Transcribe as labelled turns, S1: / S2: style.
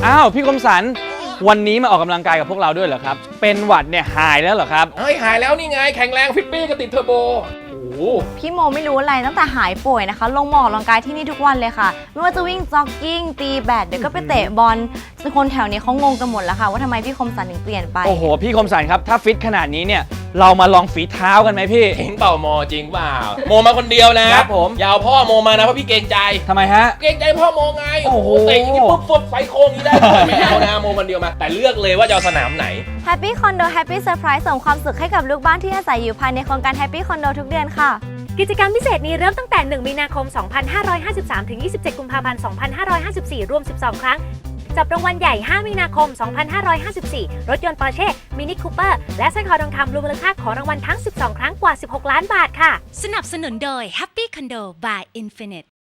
S1: อ้าวพี่คมสันวันนี้มาออกกำลังกายกับพวกเราด้วยเหรอครับเป็นหวัดเนี่ยหายแล้วเหรอครับ
S2: เฮ้ยหายแล้วนี่ไงแข็งแรงฟิตปี้ก็ติดเทอร์โบโอ้โห
S3: พี่โมไม่รู้อะไรตั้งแต่หายป่วยนะคะลงหมอกกำลังกายที่นี่ทุกวันเลยค่ะไม่ว่าจะวิ่งจ็อกกิ้งตีแบดเดี๋ยวก็ไปเตะบอลคนแถวนี้เขางงกันหมดแล้วค่ะว่าทำไมพี่คมสันถึงเปลี่ยนไป
S1: โอ้โหพี่คมสันครับถ้าฟิตขนาดนี้เนี่ยเรามาลองฝีเท้ากันไหมพี่
S2: เห็นเปล่าโมจริงเปล่าโมมาคนเดียวนะครับ
S1: ผม
S2: อย่าเอาพ่อโมมานะเพราะพี่เกรงใจ
S1: ทำไมฮะ
S2: เกรงใจพ่อโมไง
S1: โอ้โห
S2: เตะอย่างนี้ปุ๊บฟดไฟโค้งนี้ได้ไม่เอานะโมคนเดียวมาแต่เลือกเลยว่าจะเอาสนามไหน
S3: Happy Condo Happy Surprise ส่งความสุขให้กับลูกบ้านที่อาศัยอยู่ภายในโครงการ Happy Condo ทุกเดือนค่ะ
S4: กิจกรรมพิเศษนี้เริ่มตั้งแต่ 1 มีนาคม 2553 ถึง 27 กุมภาพันธ์ 2554 รวม 12 ครั้ง จับรางวัลใหญ่ 5 มีนาคม 2554 รถยนต์ Porsche Mini Cooper และสร้อยคอทองคำรวมมูลค่าของรางวัลทั้ง 12 ครั้งกว่า 16 ล้านบาทค่ะ
S5: สนับสนุนโดย Happy Condo by Infinite